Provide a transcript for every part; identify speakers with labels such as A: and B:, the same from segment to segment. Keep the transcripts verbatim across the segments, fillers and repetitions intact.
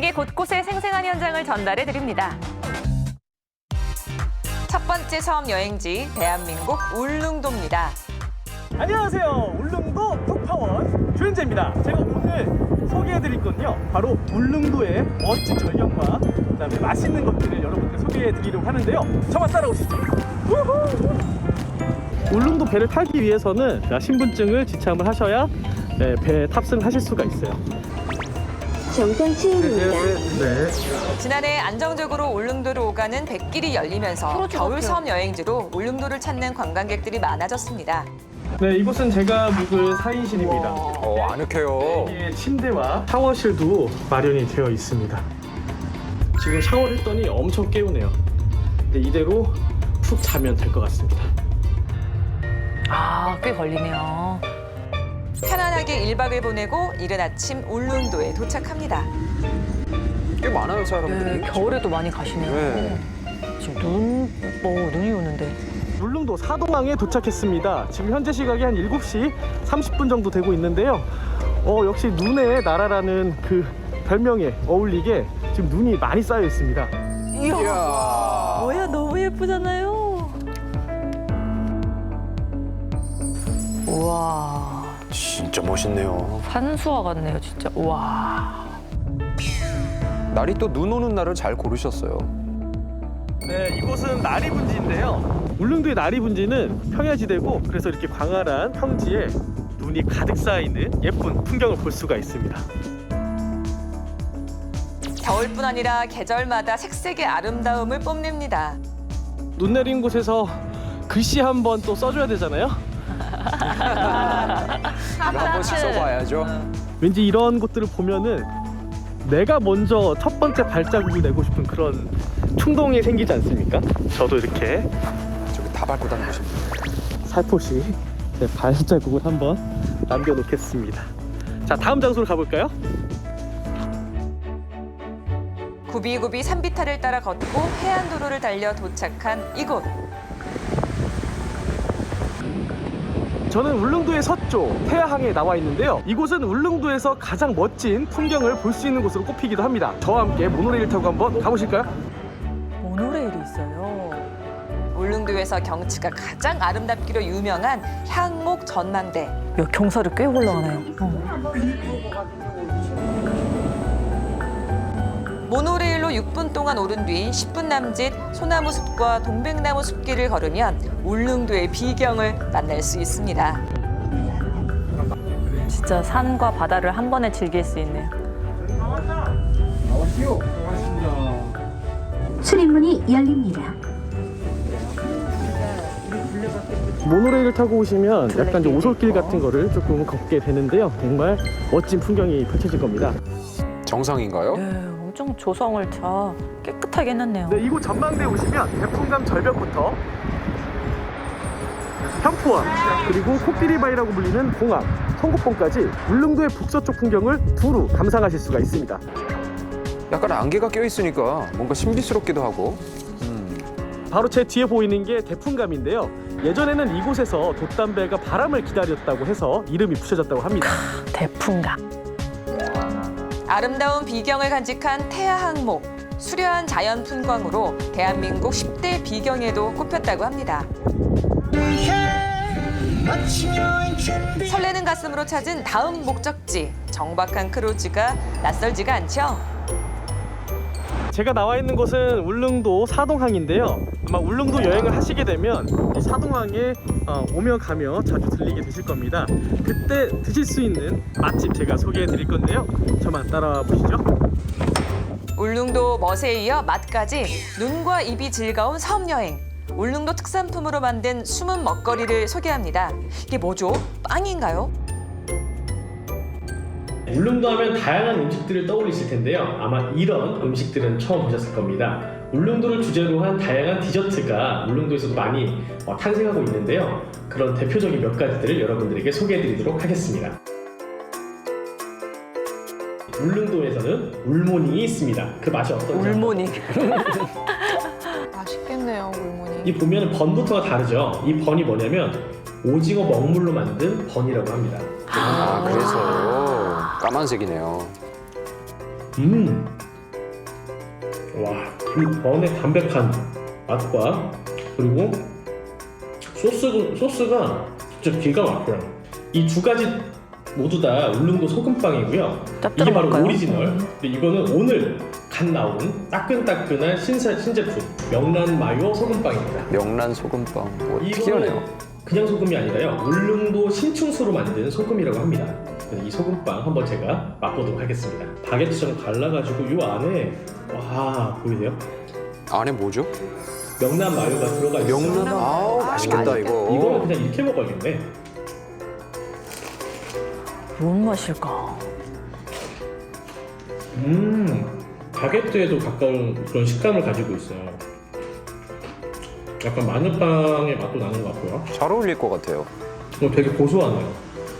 A: 세계 곳곳의 생생한 현장을 전달해 드립니다. 첫 번째 섬 여행지 대한민국 울릉도입니다.
B: 안녕하세요. 울릉도 톡파원 주현재입니다. 제가 오늘 소개해드릴 건요, 바로 울릉도의 멋진 절경과 그다음에 맛있는 것들을 여러분께 소개해드리려고 하는데요. 저만 따라오시죠. 우후! 울릉도 배를 타기 위해서는 신분증을 지참을 하셔야 네, 배에 탑승하실 수가 있어요.
C: 정상 체험입니다.
B: 네.
A: 지난해 안정적으로 울릉도로 오가는 백길이 열리면서 겨울 섬 여행지로 울릉도를 찾는 관광객들이 많아졌습니다.
B: 네, 이곳은 제가 묵을 사 인실입니다.
D: 어, 아늑해요.
B: 여기에 침대와 샤워실도 마련이 되어 있습니다. 지금 샤워를 했더니 엄청 개운해요. 근데 이대로 푹 자면 될 것 같습니다.
A: 아, 꽤 걸리네요. 편안하게 일 박을 보내고 이른 아침 울릉도에 도착합니다.
D: 꽤 많아요, 사람들이.
A: 네, 겨울에도 많이 가시네요.
D: 네.
A: 지금 눈, 뭐 눈이 오는데.
B: 울릉도 사동항에 도착했습니다. 지금 현재 시각이 한 일곱 시 삼십 분 정도 되고 있는데요. 어, 역시 눈의 나라라는 그 별명에 어울리게 지금 눈이 많이 쌓여 있습니다.
D: 이야.
A: 뭐야, 너무 예쁘잖아요. 우와,
D: 진짜 멋있네요.
A: 산수화 같네요, 진짜. 우와.
D: 날이 또 눈 오는 날을 잘 고르셨어요.
B: 네, 이곳은 나리분지인데요. 울릉도의 나리분지는 평야지대고 그래서 이렇게 광활한 평지에 눈이 가득 쌓여있는 예쁜 풍경을 볼 수가 있습니다.
A: 겨울뿐 아니라 계절마다 색색의 아름다움을 뽐냅니다.
B: 눈 내린 곳에서 글씨 한 번 또 써줘야 되잖아요.
D: 한 번씩 써봐야죠.
B: 왠지 이런 곳들을 보면은 내가 먼저 첫 번째 발자국을 내고 싶은 그런 충동이 생기지 않습니까? 저도 이렇게
D: 저기 다 밟고 다니십니다.
B: 살포시 제 발자국을 한번 남겨놓겠습니다. 자, 다음 장소로 가볼까요?
A: 구비구비 산비탈을 따라 걷고 해안도로를 달려 도착한 이곳.
B: 저는 울릉도의 서쪽 태화항에 나와 있는데요. 이곳은 울릉도에서 가장 멋진 풍경을 볼 수 있는 곳으로 꼽히기도 합니다. 저와 함께 모노레일 타고 한번 가보실까요?
A: 모노레일이 있어요. 울릉도에서 경치가 가장 아름답기로 유명한 향목 전망대. 야, 경사를 꽤 올라가네요. 어. 모노레일로 육 분 동안 오른 뒤 십 분 남짓 소나무 숲과 동백나무 숲길을 걸으면 울릉도의 비경을 만날 수 있습니다. 진짜 산과 바다를 한 번에 즐길 수 있네요.
C: 출입문이 열립니다.
B: 모노레일을 타고 오시면 약간 좀 오솔길 같은 거를 조금 걷게 되는데요. 정말 멋진 풍경이 펼쳐질 겁니다.
D: 정상인가요?
A: 네, 엄청 조성을 다 깨끗하게 해놨네요.
B: 네, 이곳 전망대에 오시면 대풍감 절벽부터 현포원, 그리고 코끼리바위라고 불리는 봉암, 성곡봉까지 울릉도의 북서쪽 풍경을 두루 감상하실 수가 있습니다.
D: 약간 안개가 껴있으니까 뭔가 신비스럽기도 하고. 음.
B: 바로 제 뒤에 보이는 게 대풍감인데요. 예전에는 이곳에서 돛담배가 바람을 기다렸다고 해서 이름이 붙여졌다고 합니다.
A: 대풍감. 아름다운 비경을 간직한 태화항목. 수려한 자연 풍광으로 대한민국 십 대 비경에도 꼽혔다고 합니다. 설레는 가슴으로 찾은 다음 목적지. 정박한 크루즈가 낯설지가 않죠?
B: 제가 나와 있는 곳은 울릉도 사동항인데요. 아마 울릉도 여행을 하시게 되면 이 사동항에 어, 오며 가며 자주 들리게 되실 겁니다. 그때 드실 수 있는 맛집 제가 소개해 드릴 건데요. 저만 따라와 보시죠.
A: 울릉도 멋에 이어 맛까지 눈과 입이 즐거운 섬 여행. 울릉도 특산품으로 만든 숨은 먹거리를 소개합니다. 이게 뭐죠? 빵인가요?
B: 울릉도 하면 다양한 음식들을 떠올리실 텐데요. 아마 이런 음식들은 처음 보셨을 겁니다. 울릉도를 주제로 한 다양한 디저트가 울릉도에서도 많이 어, 탄생하고 있는데요. 그런 대표적인 몇 가지들을 여러분들에게 소개해드리도록 하겠습니다. 울릉도에서는 울모닝이 있습니다. 그 맛이 어떤지.
A: 울모닝.
E: 맛있겠네요, 울무늬.
B: 이 보면 번부터가 다르죠. 이 번이 뭐냐면 오징어 먹물로 만든 번이라고 합니다.
D: 아, 그래서 까만색이네요.
B: 음, 와, 이 번의 담백한 맛과 그리고 소스, 소스가 진짜 기가 막혀요. 이 두 가지 모두 다 울릉도 소금빵이고요. 이게 바로
A: 짭짤할까요?
B: 오리지널. 근데 이거는 오늘 갓 나온 따끈따끈한 신사, 신제품 명란 마요 소금빵입니다.
D: 명란 소금빵. 뭐
B: 이거는
D: 특이하네요.
B: 그냥 소금이 아니라요. 울릉도 신충수로 만든 소금이라고 합니다. 그래서 이 소금빵 한번 제가 맛보도록 하겠습니다. 바게트처럼 갈라가지고 이 안에 와 보이세요?
D: 안에 뭐죠?
B: 명란 마요가 들어가 있어요.
D: 명란. 아우 맛있겠다
A: 맛있겠다.
D: 이거.
B: 이거는 그냥 이렇게 먹어야겠네.
A: 뭔 맛일까?
B: 음, 바게트에도 가까운 그런 식감을 가지고 있어요. 약간 마늘빵의 맛도 나는 것 같고요.
D: 잘 어울릴 것 같아요.
B: 어, 되게 고소하네요.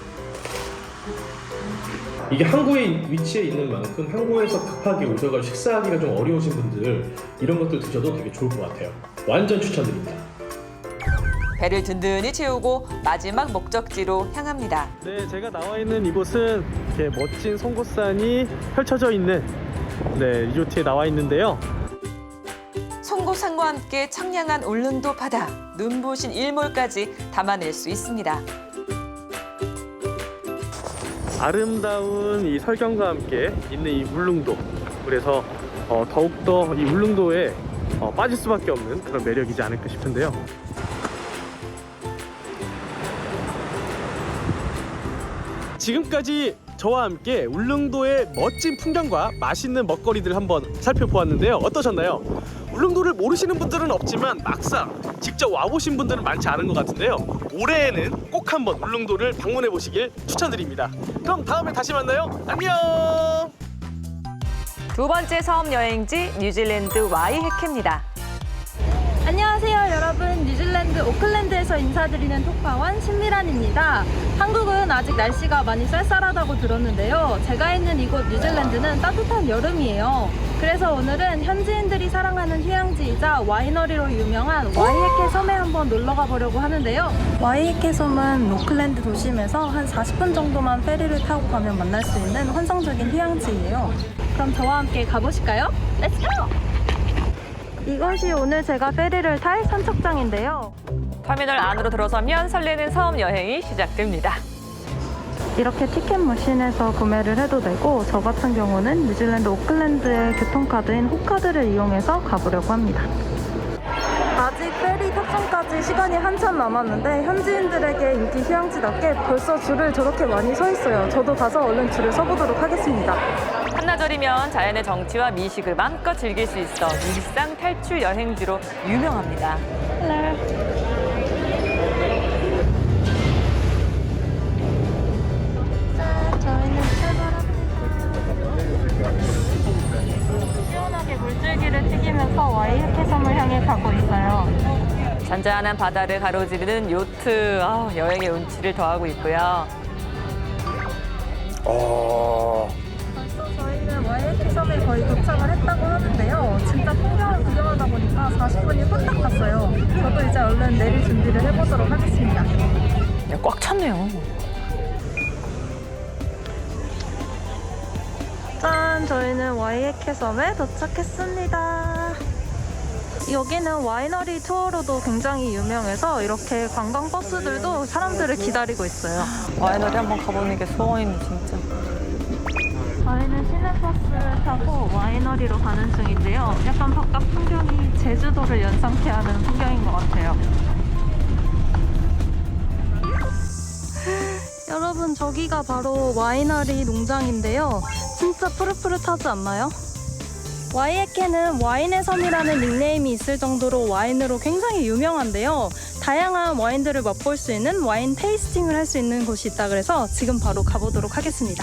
B: 이게 항구에 위치해 있는 만큼 항구에서 급하게 오셔서 식사하기가 좀 어려우신 분들 이런 것들 드셔도 되게 좋을 것 같아요. 완전 추천드립니다.
A: 배를 든든히 채우고 마지막 목적지로 향합니다.
B: 네, 제가 나와 있는 이곳은 이렇게 멋진 송곳산이 펼쳐져 있는 네, 리조트에 나와 있는데요.
A: 송곳산과 함께 청량한 울릉도 바다, 눈부신 일몰까지 담아낼 수 있습니다.
B: 아름다운 이 설경과 함께 있는 이 울릉도. 그래서 어, 더욱더 이 울릉도에 어, 빠질 수밖에 없는 그런 매력이지 않을까 싶은데요. 지금까지 저와 함께 울릉도의 멋진 풍경과 맛있는 먹거리들 한번 살펴보았는데요. 어떠셨나요? 울릉도를 모르시는 분들은 없지만 막상 직접 와보신 분들은 많지 않은 것 같은데요. 올해에는 꼭 한번 울릉도를 방문해 보시길 추천드립니다. 그럼 다음에 다시 만나요. 안녕!
A: 두 번째 섬 여행지 뉴질랜드 와이해케입니다.
E: 안녕하세요 여러분, 뉴질랜드 오클랜드에서 인사드리는 톡파원 신미란입니다. 한국은 아직 날씨가 많이 쌀쌀하다고 들었는데요, 제가 있는 이곳 뉴질랜드는 따뜻한 여름이에요. 그래서 오늘은 현지인들이 사랑하는 휴양지이자 와이너리로 유명한 와이해케 섬에 한번 놀러가 보려고 하는데요. 와이해케 섬은 오클랜드 도심에서 한 사십 분 정도만 페리를 타고 가면 만날 수 있는 환상적인 휴양지예요. 그럼 저와 함께 가보실까요? 렛츠고! 이것이 오늘 제가 페리를 탈 선착장인데요.
A: 터미널 안으로 들어서면 설레는 섬 여행이 시작됩니다.
E: 이렇게 티켓 머신에서 구매를 해도 되고, 저 같은 경우는 뉴질랜드 오클랜드의 교통카드인 호카드를 이용해서 가보려고 합니다. 아직 페리 탑승까지 시간이 한참 남았는데 현지인들에게 인기 휴양지답게 벌써 줄을 저렇게 많이 서 있어요. 저도 가서 얼른 줄을 서보도록 하겠습니다.
A: 한나절이면 자연의 정취와 미식을 마음껏 즐길 수 있어 일상 탈출 여행지로 유명합니다.
E: 저희는 출발합니다. 시원하게 물줄기를 튀기면서 와이해케 섬을 향해 가고 있어요.
A: 잔잔한 바다를 가로지르는 요트, 아, 여행의 운치를 더하고 있고요.
D: 어.
E: 벌써 저희는 와이해케 섬에 거의 도착을 했다고 하는데요. 진짜 풍경을 구경하다 보니까 사십 분이 후딱 갔어요. 저도 이제 얼른 내릴 준비를 해보도록 하겠습니다.
A: 야, 꽉 찼네요.
E: 짠! 저희는 와이해케 섬에 도착했습니다. 여기는 와이너리 투어로도 굉장히 유명해서 이렇게 관광버스들도 사람들을 기다리고 있어요.
A: 와이너리 한번 가보는 게 소원이네, 진짜.
E: 저희는 시내버스를 타고 와이너리로 가는 중인데요. 약간 바깥 풍경이 제주도를 연상케 하는 풍경인 것 같아요. 여러분, 저기가 바로 와이너리 농장인데요. 진짜 푸릇푸릇하지 않나요? 와이해케는 와인의 섬이라는 닉네임이 있을 정도로 와인으로 굉장히 유명한데요. 다양한 와인들을 맛볼 수 있는 와인 테이스팅을 할 수 있는 곳이 있다 그래서 지금 바로 가보도록 하겠습니다.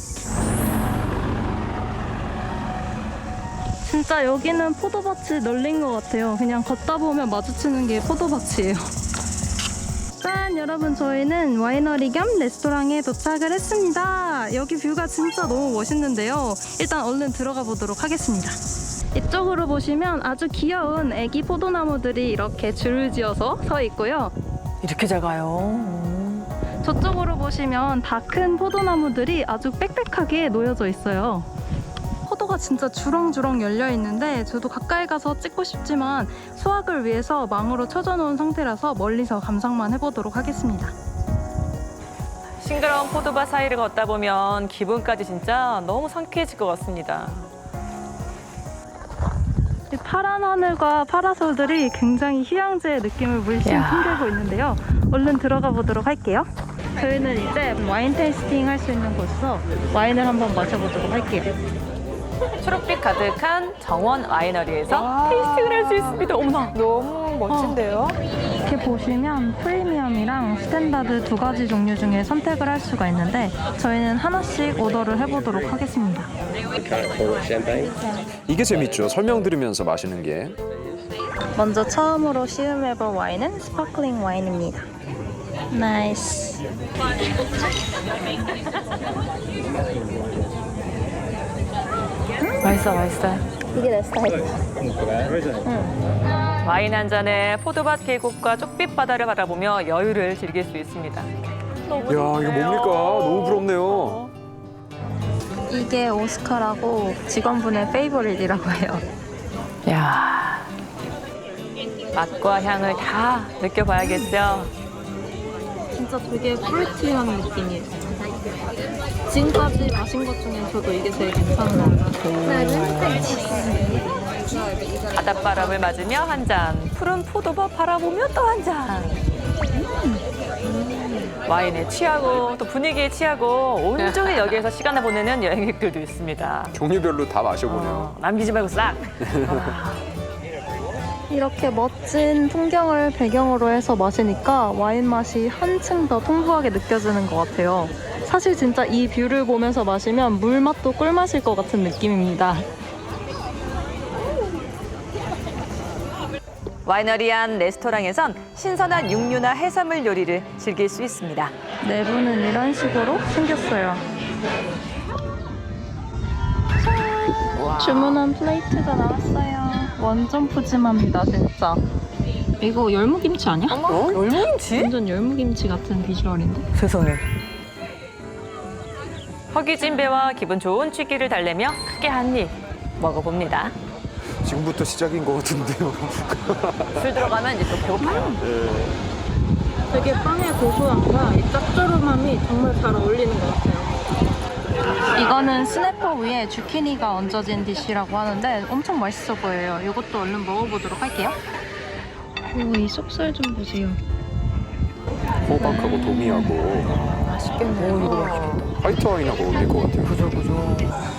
E: 진짜 여기는 포도밭이 널린 것 같아요. 그냥 걷다 보면 마주치는 게 포도밭이에요. 짠! 여러분, 저희는 와이너리 겸 레스토랑에 도착을 했습니다. 여기 뷰가 진짜 너무 멋있는데요. 일단 얼른 들어가 보도록 하겠습니다. 이쪽으로 보시면 아주 귀여운 애기 포도나무들이 이렇게 줄을 지어서 서 있고요.
A: 이렇게 잘 가요.
E: 저쪽으로 보시면 다 큰 포도나무들이 아주 빽빽하게 놓여져 있어요. 포도가 포도가 진짜 주렁주렁 열려 있는데 저도 가까이 가서 찍고 싶지만 수확을 위해서 망으로 쳐져 놓은 상태라서 멀리서 감상만 해보도록 하겠습니다.
A: 싱그러운 포도밭 사이를 걷다 보면 기분까지 진짜 너무 상쾌해질 것 같습니다.
E: 이 파란 하늘과 파라솔들이 굉장히 휴양지의 느낌을 물씬
A: 야.
E: 풍기고 있는데요. 얼른 들어가 보도록 할게요. 저희는 이제 와인 테이스팅 할 수 있는 곳에서 와인을 한번 마셔보도록 할게요.
A: 초록빛 가득한 정원 와이너리에서 테이스팅을 할 수 있습니다. 어머나, 너무 멋진데요?
E: 이렇게 보시면 프리미엄이랑 스탠다드 두 가지 종류 중에 선택을 할 수가 있는데 저희는 하나씩 오더를 해보도록 하겠습니다.
D: 이게 재밌죠. 설명 들으면서 마시는 게.
E: 먼저 처음으로 시음해볼 와인은 스파클링 와인입니다. 나이스.
A: 맛있어, 맛있어.
E: 이게 내 스타일.
A: 와인 한 잔에 포도밭 계곡과 쪽빛 바다를 바라보며 여유를 즐길 수 있습니다. 너무
D: 야, 이거 뭡니까? 너무 부럽네요.
E: 이게 오스카라고 직원분의 페이보릿이라고 해요.
A: 야, 맛과 향을 다 느껴봐야겠죠?
E: 진짜 되게 프루티한 느낌이에요. 지금까지 마신 것 중에 저도 이게 제일 괜찮은 것 같아요.
A: 바닷바람을 맞으며 한 잔, 푸른 포도밭 바라보며 또 한 잔. 와인에 취하고 또 분위기에 취하고 온종일 여기에서 시간을 보내는 여행객들도 있습니다.
D: 종류별로 다 마셔보네요.
A: 어, 남기지 말고 싹.
E: 이렇게 멋진 풍경을 배경으로 해서 마시니까 와인 맛이 한층 더 풍부하게 느껴지는 것 같아요. 사실 진짜 이 뷰를 보면서 마시면 물맛도 꿀맛일 것 같은 느낌입니다.
A: 와이너리 안 레스토랑에선 신선한 육류나 해산물 요리를 즐길 수 있습니다.
E: 내부는 이런 식으로 생겼어요. 주문한 플레이트가 나왔어요. 완전 푸짐합니다, 진짜. 이거 열무김치 아니야?
A: 어머, 열무김치?
E: 완전 열무김치 같은 비주얼인데?
A: 세상에. 허기진 배와 기분 좋은 취기를 달래며 크게 한 입 먹어봅니다.
D: 지금부터 시작인 것 같은데요.
A: 술 들어가면 이제 또 배고파요.
E: 되게 빵의 고소함과 이 짭조름함이 정말 잘 어울리는 것 같아요. 이거는 스냅퍼 위에 주키니가 얹어진 디쉬라고 하는데 엄청 맛있어 보여요. 이것도 얼른 먹어보도록 할게요. 오, 이 속살 좀 보세요.
D: 호박하고 도미하고
A: 맛있겠네. 오, 이거 맛있겠다.
D: 화이트 와인하고 어울릴 것 같아요.
A: 그죠, 그죠.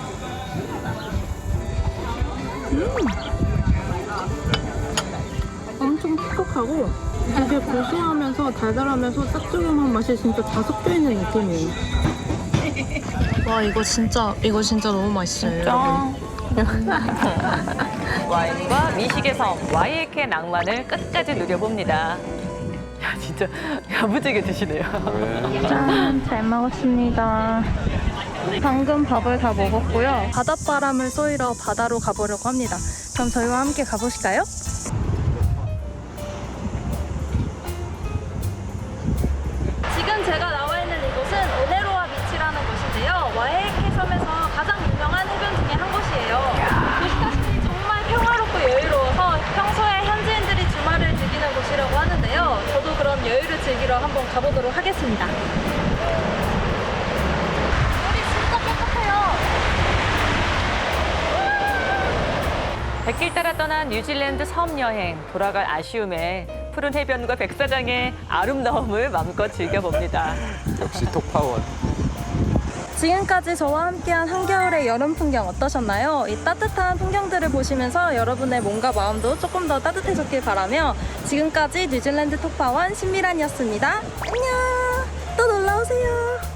E: 엄청 촉촉하고 되게 고소하면서 달달하면서 짭조름한 맛이 진짜 다 섞여 있는 느낌이에요. 와, 이거 진짜 이거 진짜 너무 맛있어요.
A: 짠. 와인과 미식의 섬 와이에케 낭만을 끝까지 누려봅니다. 야, 진짜 야무지게 드시네요.
D: 네.
E: 짠, 잘 먹었습니다. 방금 밥을 다 먹었고요. 바닷바람을 쏘이러 바다로 가보려고 합니다. 그럼 저희와 함께 가보실까요? 지금 제가 나와 있는 이곳은 오네로아 비치라는 곳인데요. 와이에케 섬에서 가장 유명한 해변 중에 한 곳이에요. 보시다시피 정말 평화롭고 여유로워서 평소에 현지인들이 주말을 즐기는 곳이라고 하는데요. 저도 그런 여유를 즐기러 한번 가보도록 하겠습니다. 물이 진짜 깨끗해요.
A: 백길 따라 떠난 뉴질랜드 섬 여행, 돌아갈 아쉬움에 푸른 해변과 백사장의 아름다움을 마음껏 즐겨봅니다.
D: 역시 톡파원.
E: 지금까지 저와 함께한 한겨울의 여름 풍경 어떠셨나요? 이 따뜻한 풍경들을 보시면서 여러분의 몸과 마음도 조금 더 따뜻해졌길 바라며 지금까지 뉴질랜드 톡파원 신미란이었습니다. 안녕! 또 놀러오세요.